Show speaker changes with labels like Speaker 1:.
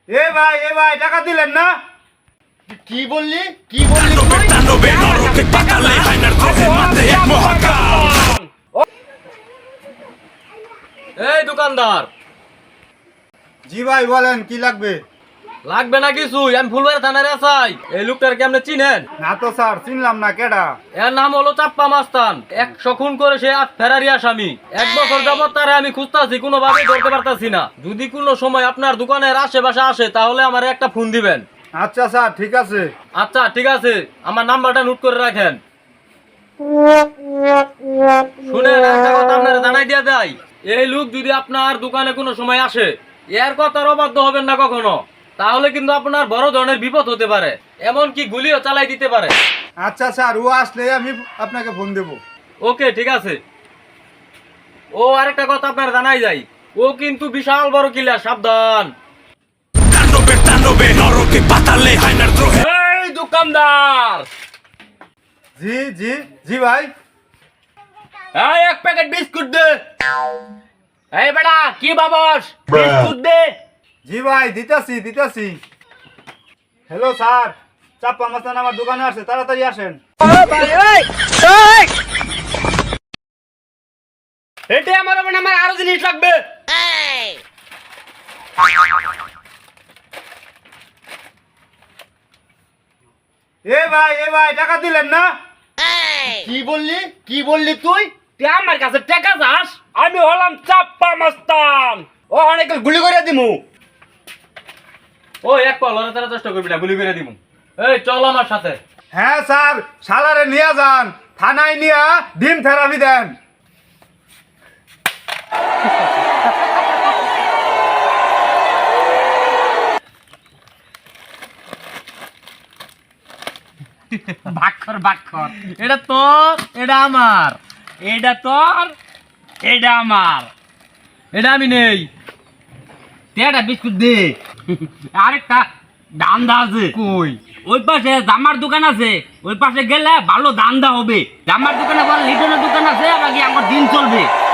Speaker 1: এ ভাই টাকা দিলেন না?
Speaker 2: কি বললি
Speaker 3: এই দোকানদার,
Speaker 1: জি ভাই বলেন কি লাগবে?
Speaker 3: লাগবে না কিছু। আমি ফুলবাড়ি থানার আসাই। এই লোকটার কি আপনি চিনেন?
Speaker 1: না তো স্যার, চিনলাম না। কেডা?
Speaker 3: এর নাম হলো চাপ্পা মাস্তান। 100 খুন করে সে ফেরারি আসামি। 1 বছর যাবত তারে আমি খুঁজতাছি, কোনোভাবে ধরতে পারতাছি না। যদি কোনো সময় আপনার দোকানের আশেপাশে আসে তাহলে আমার একটা ফোন দিবেন।
Speaker 1: আচ্ছা স্যার, ঠিক আছে।
Speaker 3: আচ্ছা ঠিক আছে, আমার নাম্বারটা নোট করে রাখেন। শুনেন, একটা কথা আপনারা জানাই দিয়ে দেয়, এই লোক যদি আপনার দোকানে কোনো সময় আসে, এর কথার অবাধ্য হবেন না কখনো। তাহলে কিন্তু আপনার বড় ধরনের বিপদ হতে পারে, এমনকি গুলিও চালাই দিতে পারে।
Speaker 1: আচ্ছা স্যার, ও আসলে আমি আপনাকে ফোন দেবো।
Speaker 3: ওকে ঠিক আছে। ও আরেকটা কথা আপনার জানাই যায়, ও কিন্তু বিশাল বড় কিলার, সাবধান।
Speaker 2: এই দোকানদার,
Speaker 1: জি জি জি ভাই।
Speaker 2: এই 1 প্যাকেট বিস্কুট দে। এই বেটা কি বাবস, বিস্কুট দে।
Speaker 1: জি ভাই, দিতাছি। হ্যালো স্যার, চাপ্পা মাস্তান আমার দোকানে আসে, তাড়াতাড়ি আসেন।
Speaker 2: এটা আমার আরো জিনিস লাগবে।
Speaker 1: এ ভাই টাকা দিলেন না?
Speaker 2: কি বললি তুই আমার কাছে টাকা চাস? আমি হলাম চাপ্পা মাস্তান, ও অনেক গুলি করে দিমু।
Speaker 3: ও এক কল ওরা তারা চেষ্টা করবি না, গুলি করে দিমু। এই চল আমার সাথে।
Speaker 1: হ্যাঁ স্যার, শালারে নিয়ে যান, থানায় নিয়ে ডিম থেরাপি দেন।
Speaker 2: বাক্ষর এটা তোর, এটা আমার, এটা তোর, এটা আমার।
Speaker 3: এটা আমি নেই।
Speaker 2: তেটা বিস্কুট দে। আরেকটা দান্দা আছে।
Speaker 3: কই?
Speaker 2: ওই পাশে জামার দোকান আছে, ওই পাশে গেলে ভালো দান্দা হবে। জামার দোকানে বল, লিটনের দোকান আছে, বাকি আমার দিন চলবে।